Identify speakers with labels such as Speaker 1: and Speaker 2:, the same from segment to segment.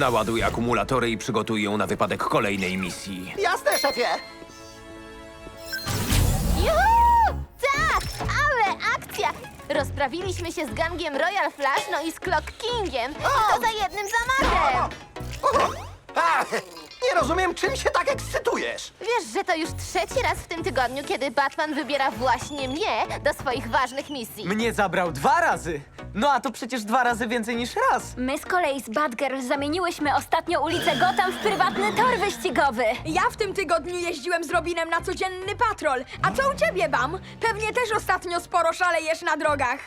Speaker 1: Naładuj akumulatory i przygotuj ją na wypadek kolejnej misji.
Speaker 2: Jasne, szefie!
Speaker 3: Juhu! Tak! Ale akcja! Rozprawiliśmy się z gangiem Royal Flush, no i z Clock Kingiem. I to za jednym zamachem!
Speaker 2: A, nie rozumiem, czym się tak ekscytujesz.
Speaker 3: Wiesz, że to już trzeci raz w tym tygodniu, kiedy Batman wybiera właśnie mnie do swoich ważnych misji.
Speaker 4: Mnie zabrał 2 razy. No a to przecież 2 razy więcej niż raz.
Speaker 5: My z kolei z Batgirl zamieniłyśmy ostatnio ulicę Gotham w prywatny tor wyścigowy.
Speaker 6: Ja w tym tygodniu jeździłem z Robinem na codzienny patrol. A co u ciebie, Bam? Pewnie też ostatnio sporo szalejesz na drogach.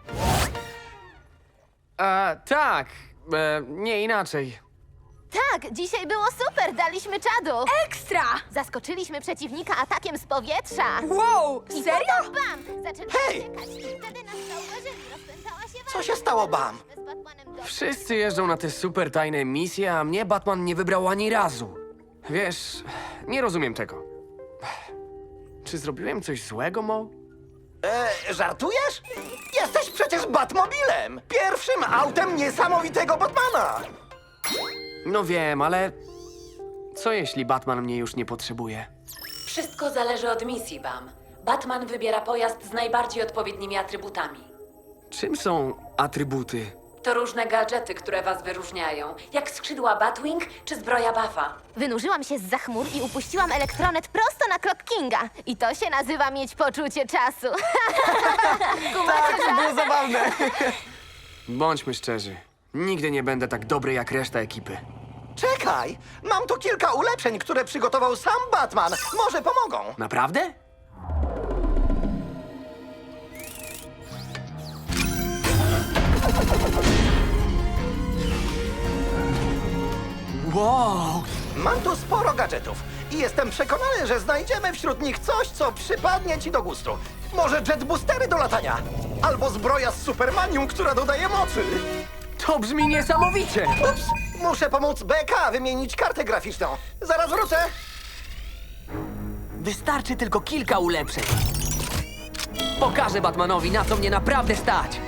Speaker 7: Tak. Nie inaczej.
Speaker 3: Tak, dzisiaj było super, daliśmy czadu.
Speaker 6: Ekstra!
Speaker 3: Zaskoczyliśmy przeciwnika atakiem z powietrza.
Speaker 6: Wow,
Speaker 3: I
Speaker 6: serio?
Speaker 3: potem bam! Zaczęliśmy
Speaker 2: Hej!
Speaker 3: uciekać i wtedy nas zauważyli. Rozpętała się
Speaker 2: Co się stało, Bam?
Speaker 3: z Batmanem do...
Speaker 7: Wszyscy jeżdżą na te super tajne misje, a mnie Batman nie wybrał ani razu. Wiesz, nie rozumiem tego. Czy zrobiłem coś złego, Mo?
Speaker 2: Żartujesz? Jesteś przecież Batmobilem! Pierwszym autem niesamowitego Batmana!
Speaker 7: No wiem, ale co jeśli Batman mnie już nie potrzebuje?
Speaker 8: Wszystko zależy od misji, Bam. Batman wybiera pojazd z najbardziej odpowiednimi atrybutami.
Speaker 7: Czym są atrybuty?
Speaker 8: To różne gadżety, które was wyróżniają, jak skrzydła Batwing czy zbroja Buffa.
Speaker 3: Wynurzyłam się zza chmur i upuściłam elektronet prosto na Clock Kinga. I to się nazywa mieć poczucie czasu.
Speaker 4: Tak, to było zabawne.
Speaker 7: Bądźmy szczerzy. Nigdy nie będę tak dobry jak reszta ekipy.
Speaker 2: Czekaj! Mam tu kilka ulepszeń, które przygotował sam Batman. Może pomogą.
Speaker 7: Naprawdę? Wow!
Speaker 2: Mam tu sporo gadżetów i jestem przekonany, że znajdziemy wśród nich coś, co przypadnie ci do gustu. Może jetboostery do latania, albo zbroja z Supermanium, która dodaje mocy.
Speaker 7: To brzmi niesamowicie!
Speaker 2: Ups, muszę pomóc BK wymienić kartę graficzną. Zaraz wrócę.
Speaker 7: Wystarczy tylko kilka ulepszeń. Pokażę Batmanowi, na co mnie naprawdę stać.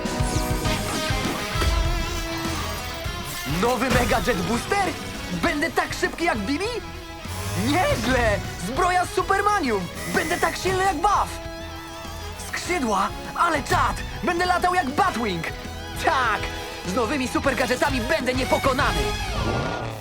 Speaker 7: Nowy Mega Jet Booster? Będę tak szybki jak Billy? Nieźle! Zbroja z Supermanium! Będę tak silny jak Buff! Skrzydła? Ale czad! Będę latał jak Batwing! Tak! Z nowymi super gadżetami będę niepokonany!